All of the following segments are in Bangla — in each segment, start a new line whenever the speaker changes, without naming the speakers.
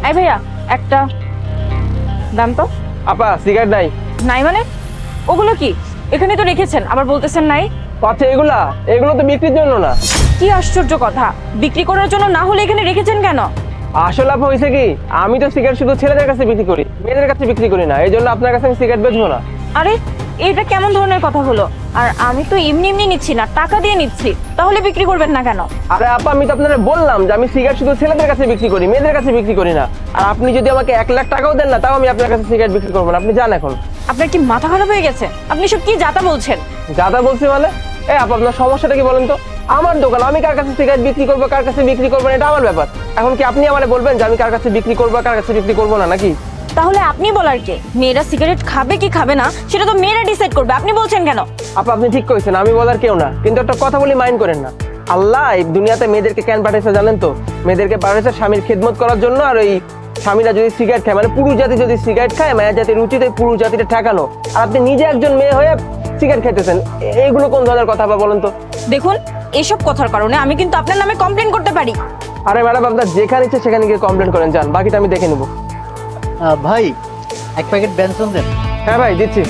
এই ভাইয়া একটা দাম তো।
আপা সিগারেট নাই?
নাই মানে? ওগুলো কি এখানে তো রেখেছেন, আবার বলতেছেন নাই?
আচ্ছা এগুলো তো বিক্রির জন্য না।
কি আশ্চর্য কথা, বিক্রি করার জন্য না হলে এখানে রেখেছেন কেন?
আসলে আপা হয়েছে কি, আমি তো সিগারেট শুধু ছেলেদের কাছে বিক্রি করি, মেয়েদের কাছে বিক্রি করি না। এই জন্য আপনার কাছে আমি সিগারেট বেচবো না।
আরে এটা কেমন ধরনের কথা হলো? আর আমি তো এমনি এমনি নিচ্ছি না, টাকা দিয়ে নিচ্ছি, তাহলে বিক্রি করবেন না কেন?
আরে আপা আমি তো আপনারা বললাম যে আমি সিগারেট শুধু ছেলেদের কাছে বিক্রি করি, মেয়েদের কাছে বিক্রি করি না। আর আপনি যদি আমাকে 1 লাখ টাকাও দেন না, তাও আমি আপনার কাছে সিগারেট বিক্রি করবো না। আপনি যান এখন।
আপনার কি মাথা খারাপ হয়ে গেছে? আপনি সব কি যাতা বলছেন?
যাতা বলছি মানে? আপা আপনার সমস্যাটা কি বলেন তো? আমার দোকান, আমি কার কাছে সিগারেট বিক্রি করবো, কার কাছে বিক্রি করবো না, এটা আমার ব্যাপার। এখন কি আপনি আমারে বলবেন যে আমি কার কাছে বিক্রি করবো, কার কাছে বিক্রি করবো না, নাকি?
তাহলে আপনি বলার কে? মেয়েরা সিগারেট খাবে কি খাবে না সেটা তো মেয়েরা ডিসাইড করবে, আপনি বলছেন কেন?
আপা আপনি ঠিক কইছেন, আমি বলার কেউ না। কিন্তু একটা কথা বলি, মাইন্ড করেন না। আল্লাহ এই দুনিয়াতে মেয়েদেরকে কেন পাঠিয়েছে জানেন তো? মেয়েদেরকে পাঠিয়েছে স্বামীর খেদমত করার জন্য। আর ওই স্বামীরা যদি সিগারেট খায়, মানে পুরুষ জাতি যদি সিগারেট খায়, মায়া জাতির উচিত এই পুরুষ জাতিটা ঠেকানো। আর আপনি নিজে একজন মেয়ে হয়ে সিগারেট খেতেছেন, এইগুলো কোন ধরনের কথা বা বলেন তো?
দেখুন, এসব কথার কারণে আমি কিন্তু আপনার নামে কমপ্লেন করতে পারি।
আরে ম্যাডাম, আপনার যেখানে ইচ্ছে সেখানে গিয়ে কমপ্লেন করেন, যান, বাকিটা আমি দেখে নেবো।
ভাই, এক প্যাকেট বেনসন দেন।
হ্যাঁ ভাই, দিচ্ছি।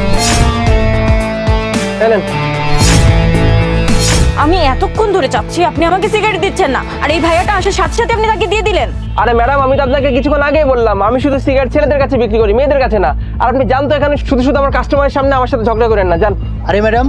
চলেন।
আমি এতক্ষণ ধরে চাচ্ছি, আপনি আমাকে সিগারেট দিচ্ছেন না, আর এই ভাইয়াটা আসার সাথে সাথে আপনি তাকে দিয়ে দিলেন।
আরে ম্যাডাম, আমি তো আপনাকে কিছুক্ষণ আগেই বললাম আমি শুধু সিগারেট ছেলেদের কাছে বিক্রি করি, মেয়েদের কাছে না। আর আপনি জানতো এখানে শুধু শুধু আমার কাস্টমারের সামনে আমার সাথে ঝগড়া করেন না, যান।
আরে ম্যাডাম,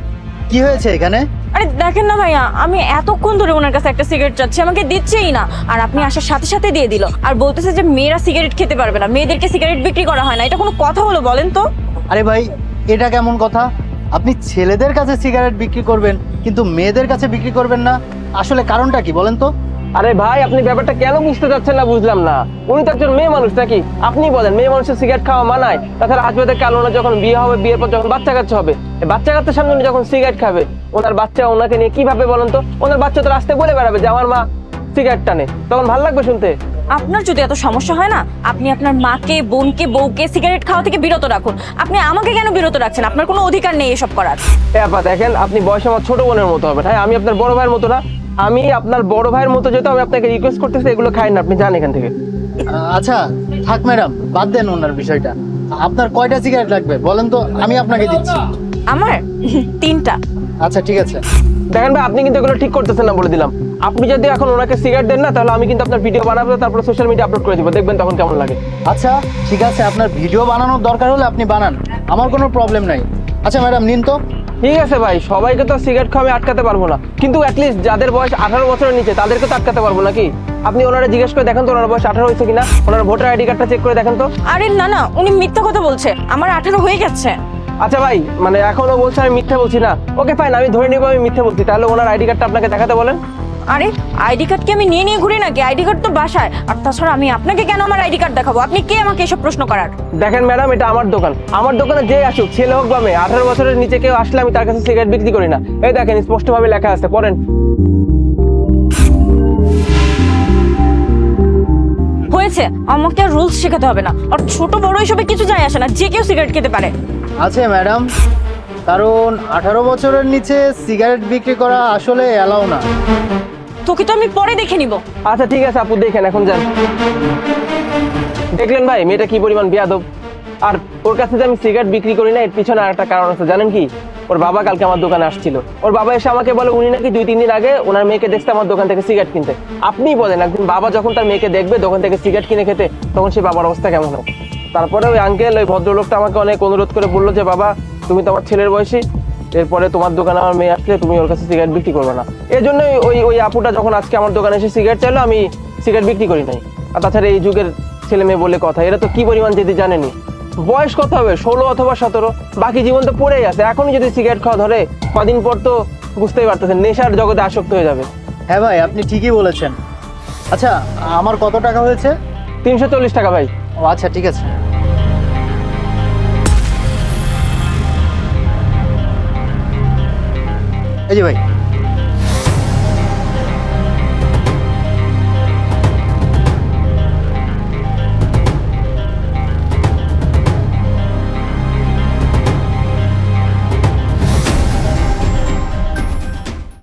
কি হয়েছে এখানে?
আরে দেখেন না ভাইয়া, আমি এতক্ষণ ধরে ওনার কাছে একটা সিগারেট চাচ্ছি, আমাকে দিচ্ছেই না। আর আপনি আসার সাথে সাথে দিয়ে দিল, আর বলতেছে যে মেয়েরা সিগারেট খেতে পারবে না, মেয়েদেরকে সিগারেট বিক্রি করা হয় না। এটা কোনো কথা হলো বলেন তো?
আরে ভাই, এটা কেমন কথা? আপনি ছেলেদের কাছে সিগারেট বিক্রি করবেন কিন্তু মেয়েদের কাছে বিক্রি করবেন না, আসলে কারণটা কি বলেন তো?
আরে ভাই, আপনি ব্যাপারটা কেন বুঝতে চাচ্ছেন না বুঝলাম না। উনি তো একজন মেয়ে মানুষ নাকি? আপনি বলেন মেয়ে মানুষের সিগারেট খাওয়া মানায়? তাছাড়া আজ বাদে কাল ওনার যখন বিয়ে হবে, বিয়ের পর যখন বাচ্চা কাচ্চা হবে, এই বাচ্চা কাচ্চার সামনে উনি যখন সিগারেট খাবে, ওনার বাচ্চা ওনাকে নিয়ে কিভাবে বলেন তো? ওনার বাচ্চা তো রাস্তায় বলে বেড়াবে যে আমার মা সিগারেট টানে, তখন ভালো লাগবে শুনতে?
আপনার যদি এত সমস্যা হয় না, আপনি আপনার মাকে, বোনকে, বউকে সিগারেট খাওয়া থেকে বিরত রাখুন। আপনি আমাকে কেন বিরত রাখছেন? আপনার কোনো অধিকার নেই এসব করার।
আপা দেখেন, আপনি বয়সে আমার ছোট বোনের মতো হবে। হ্যাঁ, আমি আপনার বড় ভাইয়ের মতো না। আমি আপনার বড় ভাইয়ের মতো, যেহেতু আমি আপনাকে রিকোয়েস্ট করতেছি এগুলো খাই না, আপনি যান এখান থেকে।
আচ্ছা থাক ম্যাডাম, বাদ দেন ওনার বিষয়টা। আপনার কয়টা সিগারেট লাগবে বলেন তো, আমি আপনাকে দিচ্ছি।
আমার 3টা।
আচ্ছা ঠিক আছে।
দেখেন ভাই, আপনি কিন্তু এগুলো ঠিক করতেছেন না, বলে দিলাম। আপনি যদি এখন ওনাকে সিগারেট দেন না, তাহলে আমি কিন্তু আপনার ভিডিও বানাবো, তারপর সোশ্যাল মিডিয়া আপলোড করে দিব, দেখবেন তখন কেমন লাগে।
আচ্ছা ঠিক আছে, আপনার ভিডিও বানানোর দরকার হলে আপনি বানান, আমার কোনো প্রবলেম নাই। আচ্ছা ম্যাডাম নিন তো।
ঠিক আছে ভাই, সবাইকে তো সিগারেট খাওয়া আমি আটকাতে পারবো না, কিন্তু অ্যাটলিস্ট যাদের বয়স 18 বছরের নিচে তাদেরকে তো আটকাতে পারবো নাকি? আপনি ওনারা জিজ্ঞেস করে দেখেন তো ওনার বয়স 18 হয়েছে কিনা, ওনার ভোটার আইডি কার্ডটা চেক করে দেখেন তো।
আরে না না, উনি মিথ্যা কথা বলছে, আমার 18 হয়ে গেছে।
আচ্ছা ভাই, মানে এখনো বলছে আমি মিথ্যা বলছি না? ওকে ফাইন, আমি ধরে নিবো আমি মিথ্যা বলছি। তাহলে ওনার আইডি কার্ডটা আপনাকে দেখাতে বলেন।
আরে আইডি কার্ড কি আমি নিয়ে নিয়ে ঘুরি নাকি? আইডি কার্ড তো বাসায়। আর তাছাড়া আমি আপনাকে কেন আমার আইডি কার্ড দেখাবো? আপনি কে আমাকে এসব প্রশ্ন করার?
দেখেন ম্যাডাম, এটা আমার দোকান। আমার দোকানে যে আসুক, ছেলে হোক বা মেয়ে, 18 বছরের নিচে কেউ আসলে আমি তার কাছে সিগারেট বিক্রি করি না। এই দেখেন, স্পষ্টভাবে লেখা আছে, পড়েন।
হয়েছে, আমাকে আর রুলস শেখাতে হবে না। আর ছোট বড় এসবে কিছু যায় আসে না, যে কেউ সিগারেট খেতে পারে।
আছে ম্যাডাম, কারণ 18 বছরের নিচে সিগারেট বিক্রি করা আসলে অ্যালাউ না।
তোকে তো আমি পরে দেখে নিব।
আচ্ছা ঠিক আছে আপু, দেখেন, এখন যান। দেখলেন ভাই, মেয়েটা কি পরিমাণ বেয়াদব। আর ওর কাছে যে আমি সিগারেট বিক্রি করি না, এর পিছনে আর একটা কারণ আছে, জানেন কি? ওর বাবা কালকে আমার দোকানে আসছিল। ওর বাবা এসে আমাকে বলে উনি নাকি 2-3 দিন আগে ওনার মেয়েকে দেখতে আমার দোকান থেকে সিগারেট কিনতে। আপনি বলেন, একদিন বাবা যখন তার মেয়েকে দেখবে দোকান থেকে সিগারেট কিনে খেতে, তখন সে বাবার অবস্থা কেমন হবে? তারপরে ওই আঙ্কেল, ওই ভদ্রলোকটা আমাকে অনেক অনুরোধ করে বললো যে বাবা, তুমি তো আমার ছেলের বয়সী, এরপরে তোমার দোকানে আমার মেয়ে আসলে তুমি ওর কাছে সিগারেট বিক্রি করবে না। এই জন্যই ওই ওই আপুটা যখন আজকে আমার দোকানে এসে সিগারেট চাইলো, আমি সিগারেট বিক্রি করি নাই। আর তাছাড়া এই যুগের ছেলে মেয়ে বলে কথা, এরা তো কি পরিমাণ যদি জানেনি। বয়স কত হবে, 16 অথবা 17, বাকি জীবন তো পড়েই আছে। এখনই যদি সিগারেট খাওয়া ধরে, কদিন পর তো বুঝতেই পারতেছেন নেশার জগতে আসক্ত হয়ে যাবে।
হ্যাঁ ভাই, আপনি ঠিকই বলেছেন। আচ্ছা আমার কত টাকা হয়েছে?
340 টাকা ভাই।
ও আচ্ছা ঠিক আছে। এই যে ভাই।